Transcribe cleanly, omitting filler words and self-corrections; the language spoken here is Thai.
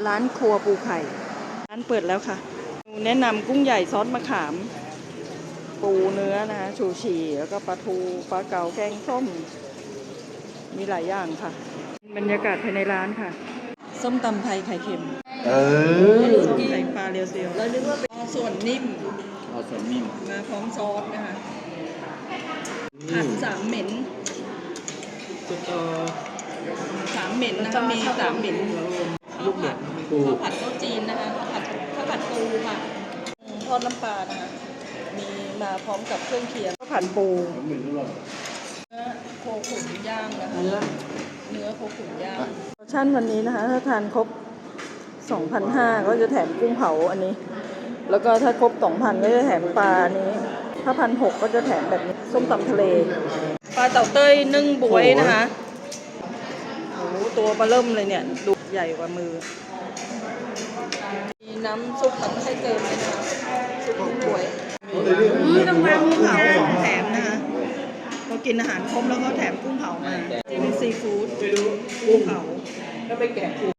ร้านครัวปูไข่ร้านเปิดแล้วค่ะแนะนำกุ้งใหญ่ซอสมะขามปูเนื้อนะคะชูชีแล้วก็ปลาทูปลาเก๋าแกงส้มมีหลายอย่างค่ะบรรยากาศภายในร้านค่ะส้มตำไทยไข่เค็มส้มไข่ปลาเรียวเซียวแล้วนึกว่าเป็นส่วนนิ่มส่วนนิ่มมาพร้อมซอสนะคะผัดสามเหม็นสามเหม็นนะคะมีสามเหม็นลูกเด็ดข้าวผัดข้าวจีนนะคะข้าวผัดปูค่ะทอดน้ำปลานะคะมีมาพร้อมกับเครื่องเคียงข้าวผัดปูเนื้อโคขุนย่างนะคะเนื้อโคขุนย่างโปรโมชั่นวันนี้นะคะถ้าทานครบ 2,500 ก็จะแถมกุ้งเผาอันนี้แล้วก็ถ้าครบ 2,000 ก็จะแถมปลาอันนี้ถ้า 1,600 ก็จะแถมแบบนี้ส้มตำทะเลปลาเต่าเต้ยนึ่งบวยนะคะโอ้โหตัวปลาเริ่มเลยเนี่ยดูใหญ่กว่ามือมีน้ำซุปมันให้เติมเลยนะคะซุปกุ้งบวยต้องวางกุ้งเผาของแถมนะคะพอกินอาหารครบแล้วก็แถมกุ้งเผามาจิ้มซีฟู้ดกุ้งเผาก็ไปแกะ